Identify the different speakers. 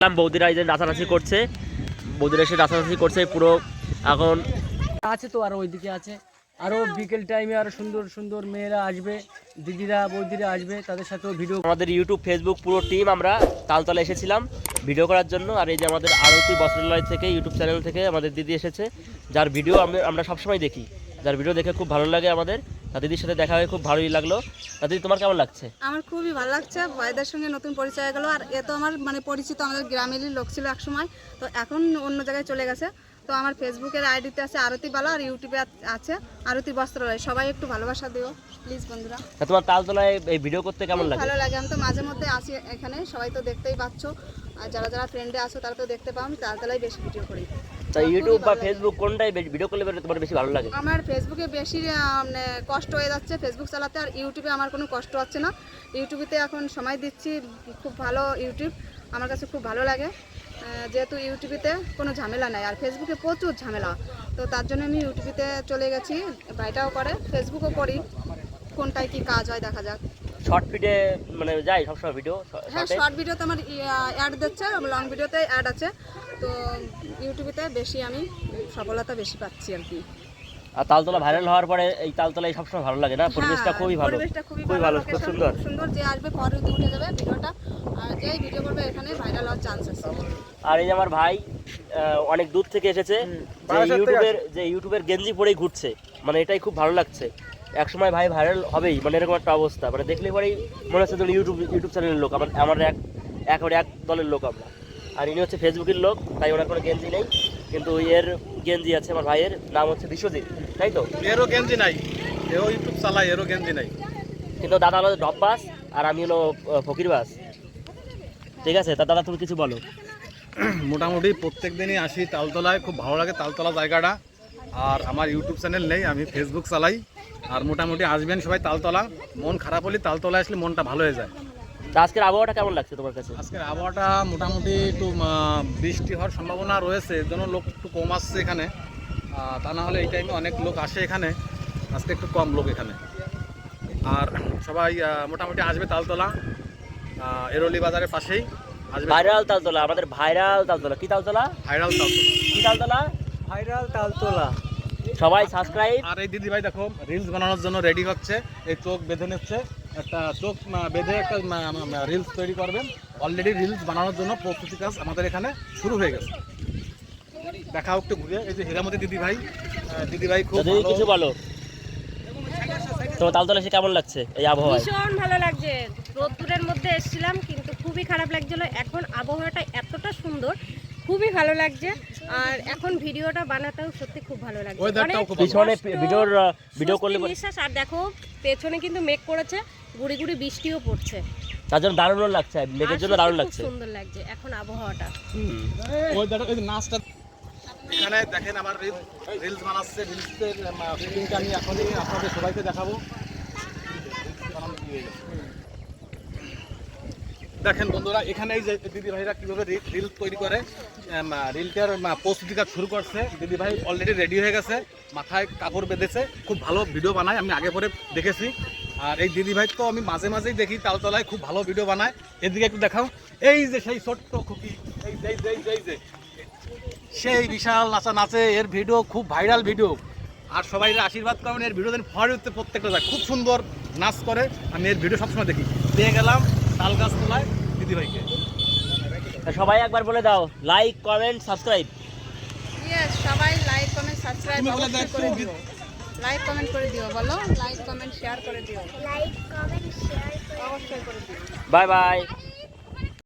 Speaker 1: বৌদিরা এই যে নাচানাচি করছে, বৌদিরা এসে নাচানাচি করছে পুরো। এখন
Speaker 2: আছে তো আরো ওইদিকে আছে, আরো বিকেল টাইমে আরো সুন্দর সুন্দর মেয়েরা আসবে, দিদিরা বৌদিরা আসবে, তাদের সাথেও ভিডিও।
Speaker 1: আমাদের ইউটিউব ফেসবুক পুরো টিম আমরা তালতলা এসেছিলাম ভিডিও করার জন্য। আর এই যে আমাদের আরতি বস্ত্রালয় থেকে ইউটিউব চ্যানেল থেকে আমাদের দিদি এসেছে, যার ভিডিও আমরা সবসময় দেখি, যার ভিডিও দেখে খুব ভালো লাগে আমাদের। দিদির সাথে দেখা হয়ে খুব ভালোই লাগলো। দিদি তোমার কেমন লাগছে?
Speaker 3: আমার খুবই ভালো লাগছে, ভাইদের সঙ্গে নতুন পরিচয় হয়ে গেলো। আর এ তো আমার মানে পরিচিত, আমাদের গ্রামেরই লোক ছিল একসময়, তো এখন অন্য জায়গায় চলে গেছে। তো আমার ফেসবুকের আইডিতে আছে আরতি বালা, আর ইউটিউবে আছে আরতি বস্ত্রালয়। সবাই একটু ভালোবাসা দিও প্লিজ বন্ধুরা।
Speaker 1: তোমার তালতলায় এই ভিডিও করতে কেমন লাগে?
Speaker 3: ভালো লাগে, আমি তো মাঝে মধ্যে আসি এখানে, সবাই তো দেখতেই পাচ্ছ, আর যারা যারা ফ্রেন্ডে আসো তারা তো দেখতে পাও। আমি তালতলায় বেশি ভিডিও করি।
Speaker 1: ইউটিউব বা ফেসবুক কোনটাই ভিডিও করলে তোমার বেশি ভালো লাগে?
Speaker 3: আমার ফেসবুকে বেশি মানে কষ্ট হয়ে যাচ্ছে ফেসবুক চালাতে, আর ইউটিউবে আমার কোনো কষ্ট হচ্ছে না। ইউটিউবেতে এখন সময় দিচ্ছি, খুব ভালো ইউটিউব, আমার কাছে খুব ভালো লাগে, যেহেতু ইউটিউবেতে কোনো ঝামেলা নাই, আর ফেসবুকে প্রচুর ঝামেলা। তো তার জন্য আমি ইউটিউবেতে চলে গেছি, ভাইটাও করে, ফেসবুকও করি, কোনটায় কি কাজ হয় দেখা যাক।
Speaker 1: শর্ট ভিডিও মানে যাই সবসময় ভিডিও?
Speaker 3: হ্যাঁ, শর্ট ভিডিওতে আমার অ্যাড দিচ্ছে, লং ভিডিওতে অ্যাড আছে, তো ইউটিউবেতে বেশি আমি সফলতা বেশি পাচ্ছি আর কি।
Speaker 1: আর তালতলা ভাইরাল হওয়ার পরে এই তালতলায় সবসময় ভালো লাগে না? পরিবেশটা খুবই ভালো, খুবই ভালো, খুব সুন্দর
Speaker 3: সুন্দর। যে আসবে পরে উঠে যাবে ভিডিওটা, আর যেই ভিডিও করবে এখানে ভাইরাল হওয়ার চান্স আছে।
Speaker 1: আর এই যে আমার ভাই অনেক দূর থেকে এসেছে, যে ইউটিউবের গেঞ্জি পরেই ঘুরছে, মানে এটাই খুব ভালো লাগছে। একসময় ভাই ভাইরাল হবেই, মানে এরকম একটা অবস্থা, মানে দেখলে পরেই মনে হচ্ছে ইউটিউব চ্যানেলের লোক। আমার একেবারে এক দলের লোক আমরা। আর ইনি হচ্ছে ফেসবুকের লোক, তাই ওনার কোনো গেঞ্জি নেই, কিন্তু এর গেঞ্জি আছে। আমার ভাইয়ের নাম হচ্ছে বিশ্বজিৎ, তাই তো?
Speaker 4: এরও গেঞ্জি নাই, এও ইউটিউব চালায়, এরও গেঞ্জি নাই।
Speaker 1: কিন্তু দাদা হলো ডব বাস আর আমি হলো ফকির বাস, ঠিক আছে? তা দাদা তুমি কিছু বলো।
Speaker 4: মোটামুটি প্রত্যেক দিনই আসি তালতলায়, খুব ভালো লাগে তালতলা জায়গাটা। আর আমার ইউটিউব চ্যানেল নেই, আমি ফেসবুক চালাই। আর মোটামুটি আসবেন সবাই তালতলা, মন খারাপ হলে তালতলা আসলে মনটা ভালো হয়ে যায়।
Speaker 1: তা আজকের আবহাওয়াটা কেমন লাগছে তোমার কাছে?
Speaker 4: আজকের আবহাওয়াটা মোটামুটি একটু বৃষ্টি হওয়ার সম্ভাবনা রয়েছে, এর জন্য লোক একটু কম আসছে এখানে। তা না হলে এই টাইমে অনেক লোক আসে এখানে, আজকে একটু কম লোক এখানে। আর সবাই মোটামুটি আসবে তালতলা, এরোলি বাজারের পাশেই আসবে।
Speaker 1: ভাইরাল তালতলা, আমাদের ভাইরাল তালতলা। কি তালতলা?
Speaker 4: ভাইরাল তালতলা।
Speaker 1: কি তালতলা?
Speaker 2: ভাইরাল তালতলা।
Speaker 1: সবাই সাবস্ক্রাইব।
Speaker 4: আর এই দিদি ভাই দেখো রিলস বানানোর জন্য রেডি হচ্ছে, এই চোখ বেঁধে নিচ্ছে, একটা চোখ বেঁধে একটা রিলস তৈরি করবেন। অলরেডি রিলস বানানোর জন্য প্রস্তুতি কাজ আমাদের এখানে শুরু হয়ে গেছে। দেখাও একটু ঘুরে, এই যে হীরামতি দিদি ভাই খুব ভালো।
Speaker 1: কিছু বলো, তোমার তালতলা এসে কেমন লাগছে এই আবহাওয়ায়?
Speaker 5: ভীষণ ভালো লাগছে। রোদ্দুরের মধ্যে এসেছিলাম কিন্তু খুবই খারাপ লাগছিল, এখন আবহাওয়াটা এতটা সুন্দর, খুবই ভালো লাগছে। আর এখন ভিডিওটা বানাতেও সত্যি খুব ভালো লাগছে।
Speaker 1: পিছনে ভিডিও করলে
Speaker 5: বিশ্বাস। আর দেখো পেছনে কিন্তু মেঘ করেছে, গুড়ি গুড়ি বৃষ্টিও পড়ছে,
Speaker 1: তার জন্য দারুণ লাগছে, মেঘের জন্য দারুণ লাগছে,
Speaker 5: সুন্দর লাগছে এখন আবহাওয়াটা।
Speaker 4: ওই দেখো এই নাচটা এখানে দেখেন, আমার রিলস বানাচ্ছে, রিলসের ফিটিংটা আমি এখনই আপনাদের সবাইকে দেখাবো। দেখেন বন্ধুরা, এখানে এই যে দিদি ভাইরা কীভাবে রিল তৈরি করে, রিলটার প্রস্তুতি কাজ শুরু করছে। দিদি ভাই অলরেডি রেডি হয়ে গেছে, মাথায় কাপড় বেঁধেছে, খুব ভালো ভিডিও বানায়, আমি আগে পরে দেখেছি। আর এই দিদি ভাই তো আমি মাঝে মাঝেই দেখি তালতলায়, খুব ভালো ভিডিও বানায়। এদিকে একটু দেখাও, এই যে সেই ছোট্ট খুকি, এই যে সেই বিশাল নাচে, এর ভিডিও খুব ভাইরাল ভিডিও। আর সবাই আশীর্বাদ করেন, এর ভিডিও দিন ফরে উঠতে প্রত্যেকটা যায়, খুব সুন্দর নাচ করে। আমি এর ভিডিও সবসময় দেখি। পেয়ে গেলাম তাল গাছ তোলায় দিদি ভাইকে।
Speaker 1: সবাই একবার বলে দাও, লাইক কমেন্ট সাবস্ক্রাইব।
Speaker 3: সবাই লাইক কমেন্ট সাবস্ক্রাইব করে দিও, লাইক কমেন্ট করে দিও, বলো লাইক কমেন্ট শেয়ার করে দিও, লাইক কমেন্ট শেয়ার অবশ্যই করে দিও।
Speaker 1: Bye by.